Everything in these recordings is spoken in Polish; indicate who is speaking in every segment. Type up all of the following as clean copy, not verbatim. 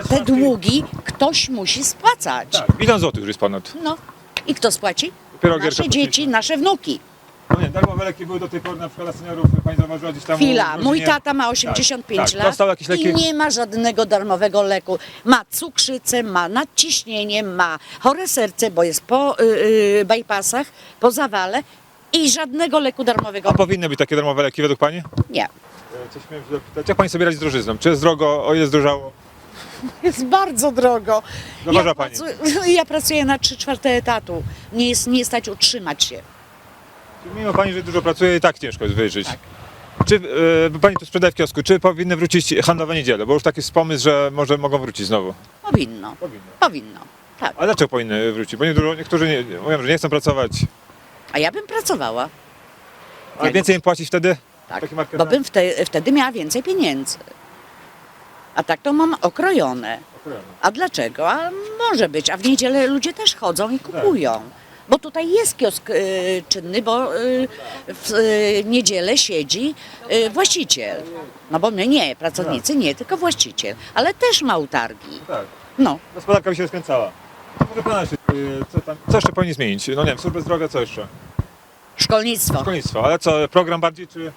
Speaker 1: te długi ktoś musi spłacać.
Speaker 2: Tak, 1 000 000 już jest ponad.
Speaker 1: No i kto spłaci?
Speaker 2: Dopiero Gierka
Speaker 1: Nasze
Speaker 2: płaci.
Speaker 1: dzieci, nasze wnuki.
Speaker 2: No nie, darmowe leki były do tej pory na przykład dla seniorów, pani zauważyła gdzieś tam...
Speaker 1: Chwila,
Speaker 2: w
Speaker 1: mój
Speaker 2: rodzinie.
Speaker 1: tata ma 85
Speaker 2: tak,
Speaker 1: lat
Speaker 2: dostał jakieś leki?
Speaker 1: i nie ma żadnego darmowego leku. Ma cukrzycę, ma nadciśnienie, ma chore serce, bo jest po bypassach, po zawale i żadnego leku darmowego
Speaker 2: A powinny być takie darmowe leki według pani?
Speaker 1: nie.
Speaker 2: Coś miałem się zapytać, jak pani sobie radzi z drożyzną? Czy jest drogo, o ile zdrożało?
Speaker 1: Jest bardzo drogo.
Speaker 2: Zauważa pani.
Speaker 1: Ja pracuję na 3/4 etatu. Nie stać utrzymać się.
Speaker 2: Czyli mimo pani, że dużo pracuje, i tak ciężko jest wyżyć.
Speaker 1: Tak.
Speaker 2: Czy pani tu sprzedaje w kiosku, czy powinny wrócić handlowe niedziele? Bo już taki jest pomysł, że może mogą wrócić znowu.
Speaker 1: Powinno. Powinno. Tak.
Speaker 2: A dlaczego powinny wrócić? Bo niektórzy mówią, że nie chcą pracować.
Speaker 1: A ja bym pracowała.
Speaker 2: A więcej im płacić wtedy?
Speaker 1: Tak.
Speaker 2: Taki market
Speaker 1: Bo bym wtedy miała więcej pieniędzy. A tak to mam okrojone. A dlaczego? A może być. A w niedzielę ludzie też chodzą i kupują. Bo tutaj jest kiosk czynny, bo w niedzielę siedzi właściciel. No bo my nie, pracownicy nie, tylko właściciel. Ale też ma utargi.
Speaker 2: Tak.
Speaker 1: No.
Speaker 2: Gospodarka by się rozkręcała. To może pana jeszcze, co jeszcze powinni zmienić? No nie wiem, służbę zdrowia, co jeszcze?
Speaker 1: Szkolnictwo.
Speaker 2: Szkolnictwo, ale co, program bardziej, czy...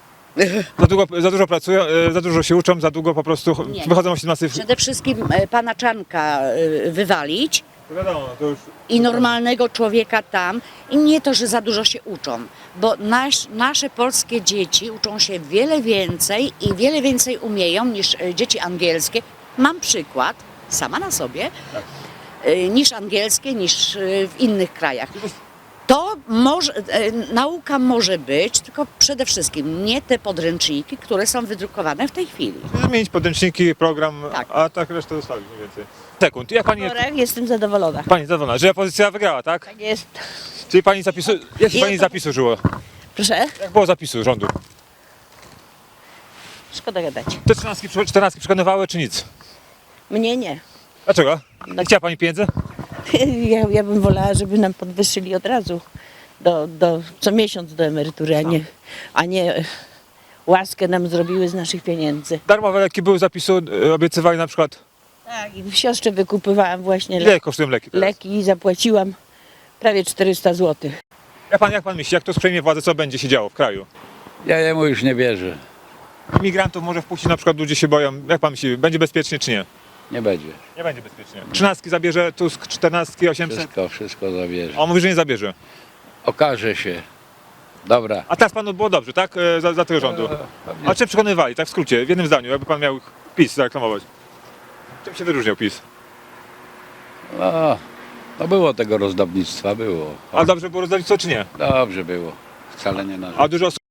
Speaker 2: Za dużo pracują, za dużo się uczą, za długo po prostu
Speaker 1: Nie.
Speaker 2: wychodzą o 17.
Speaker 1: Przede wszystkim pana Czanka wywalić
Speaker 2: To wiadomo, to już...
Speaker 1: i normalnego człowieka tam. I nie to, że za dużo się uczą, bo nasze polskie dzieci uczą się wiele więcej i wiele więcej umieją niż dzieci angielskie. Mam przykład, sama na sobie, niż angielskie, niż w innych krajach. To może, nauka może być, tylko przede wszystkim nie te podręczniki, które są wydrukowane w tej chwili.
Speaker 2: Zmienić podręczniki, program,
Speaker 1: Tak.
Speaker 2: a tak resztę zostawić mniej więcej. Sekund, jak pani jest...
Speaker 3: Jestem zadowolona.
Speaker 2: Pani zadowolona, że opozycja wygrała, tak?
Speaker 3: Tak jest.
Speaker 2: Czyli pani zapisu... Jak się pani zapisu żyło?
Speaker 3: Proszę?
Speaker 2: Jak było zapisu rządu?
Speaker 3: Szkoda gadać.
Speaker 2: Te 14 przekonywały, czy nic?
Speaker 3: Mnie nie.
Speaker 2: Dlaczego? Nie chciała pani pieniędzy?
Speaker 3: Ja bym wolała, żeby nam podwyższyli od razu co miesiąc do emerytury, a nie łaskę nam zrobiły z naszych pieniędzy.
Speaker 2: Darmowe leki były zapisu, obiecywali na przykład...
Speaker 3: Tak, i w siostrze wykupywałam właśnie
Speaker 2: Ile kosztują leki teraz?
Speaker 3: leki i zapłaciłam prawie 400 zł.
Speaker 2: Jak pan myśli, jak to przejmie władzę, co będzie się działo w kraju?
Speaker 4: Ja jemu już nie wierzę.
Speaker 2: Imigrantów może wpuścić, na przykład ludzie się boją. Jak pan myśli, będzie bezpiecznie czy nie?
Speaker 4: Nie będzie.
Speaker 2: Nie będzie bezpiecznie. 13 zabierze, Tusk 14, 800.
Speaker 4: Wszystko zabierze.
Speaker 2: A on mówi, że nie zabierze.
Speaker 4: Okaże się. Dobra.
Speaker 2: A teraz panu było dobrze, tak? Za tego rządu. A czym przekonywali, tak w skrócie, w jednym zdaniu, jakby pan miał PiS zareklamować? Czym się wyróżniał PiS?
Speaker 4: No było tego rozdawnictwa, było.
Speaker 2: A dobrze było rozdawnictwo czy nie?
Speaker 4: Dobrze było. Wcale nie narzekam.
Speaker 2: A dużo osób